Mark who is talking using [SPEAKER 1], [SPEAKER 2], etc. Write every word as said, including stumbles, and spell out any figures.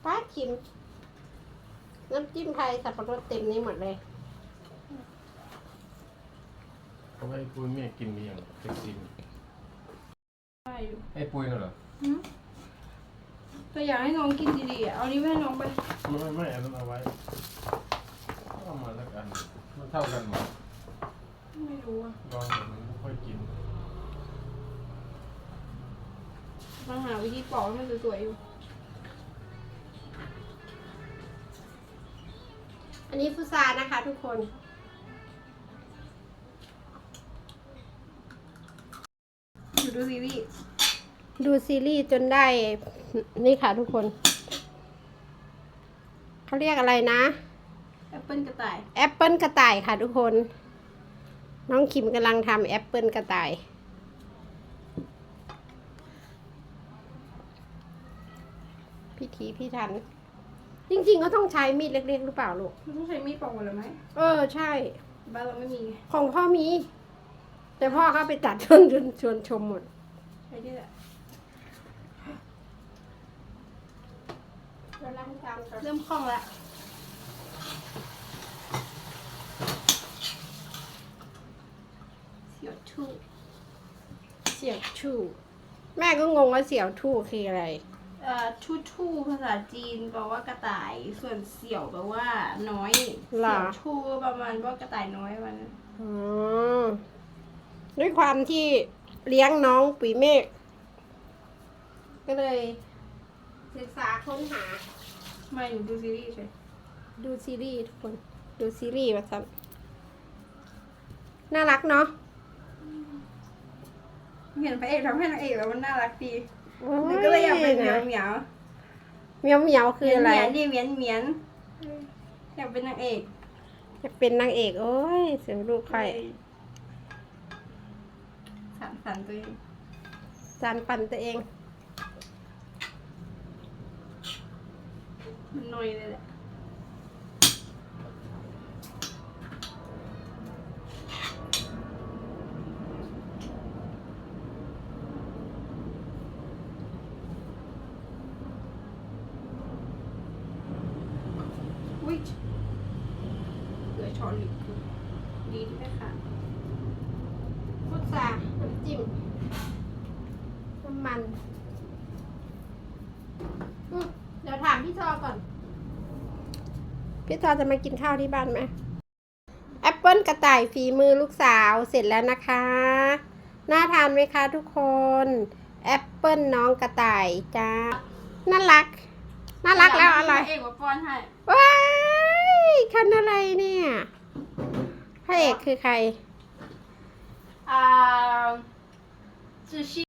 [SPEAKER 1] ป้าชิมน้ำจิ้มไทยสับปะรดเต็มนี้หมดเลย
[SPEAKER 2] เขาให้ปุ้ยแม่กินเมียงเซ็กซี่ให้ปุ้ยน่ะเหรอ
[SPEAKER 3] ตัวอยากให้น้องกินดีๆเอานี้ให้น้องไป
[SPEAKER 2] ไม่ไม่ไม่อันนั้นเอาไว้เอามาแล้วกันมันเท่ากันหมด
[SPEAKER 3] ไม่รู้อ่ะ
[SPEAKER 2] ลองแบบนี้ไม่ค่อยกิน
[SPEAKER 3] มาหาวิธีปอกให้มันสวยๆอยู่
[SPEAKER 1] อันนี้ฟุซานะคะทุกคน
[SPEAKER 3] ดูซีรีส์
[SPEAKER 1] ดูซีรีส์จนได้นี่ค่ะทุกคนเขาเรียกอะไรนะ
[SPEAKER 3] แอปเปิลกระต่าย
[SPEAKER 1] แอปเปิลกระต่ายค่ะทุกคนน้องคิมกำลังทำแอปเปิลกระต่ายพิธีพิถันจริงๆก็ต้องใช้มีดเล็กๆหรือเปล่าลูก
[SPEAKER 3] มันต้องใช้มีดปอกหมดเลยไหม
[SPEAKER 1] เออใช่
[SPEAKER 3] บ้านเราไม่มี
[SPEAKER 1] ของพ่อมีแต่พ่อเขาไปตัดจนจนชวนชมหมด
[SPEAKER 3] ใช่ที่แหละเริ่มคล่องแล้วเสี่ยวทู่
[SPEAKER 1] เสี่ยวทู่แม่ก็งงว่าเสี่ยวทู่คืออะไร
[SPEAKER 3] เอ่อทู่ทู่ภาษาจีนแปลว่ากระต่ายส่วนเสี่ยวแปลว่าน้อยเสี่ยวทู่ประมาณว่ากระต่ายน้อยมัน
[SPEAKER 1] อ๋อด้วยความที่เลี้ยงน้องปีเมฆก็เลยศึกษาค้นหา
[SPEAKER 3] มาอยู่ดูซีรีส์ใช่
[SPEAKER 1] ดูซีรีส์ทุกคนดูซีรีส์มาสักน่ารักเนาะ
[SPEAKER 3] เห็นพระเอกทำให้นางเอกแล้วมันน่ารักดีมันก็เลยอยากเป็นเหมียวเหมียว
[SPEAKER 1] เหมียวเหมียวคืออะไร
[SPEAKER 3] นี่เหมียนเหมียนอยากเป็นนางเอก
[SPEAKER 1] จะเป็นนางเอกโอ้ยเสียงลูกใคร
[SPEAKER 3] สานฝันตัวเอง
[SPEAKER 1] สานฝันตัวเอง
[SPEAKER 3] มันน้อยเลยแหละอุ้ยเหลือช้อนหลิบดีที่ไม่ขาด
[SPEAKER 1] พุทราน้ำจิ้มน้ำมันเดี๋ยวถามพี่ทอก่อนพี่ทอจะมากินข้าวที่บ้านไหมแอปเปิลกระต่ายฝีมือลูกสาวเสร็จแล้วนะคะน่าทานไหมคะทุกคนแอปเปิลน้องกระต่ายจ้าน่ารักน่ารักแล้วอร่อย
[SPEAKER 3] เอกว่าป้อนให้
[SPEAKER 1] ว้ายคันอะไรเนี่ยพระเอกคือใคร
[SPEAKER 3] อ่าซูชิ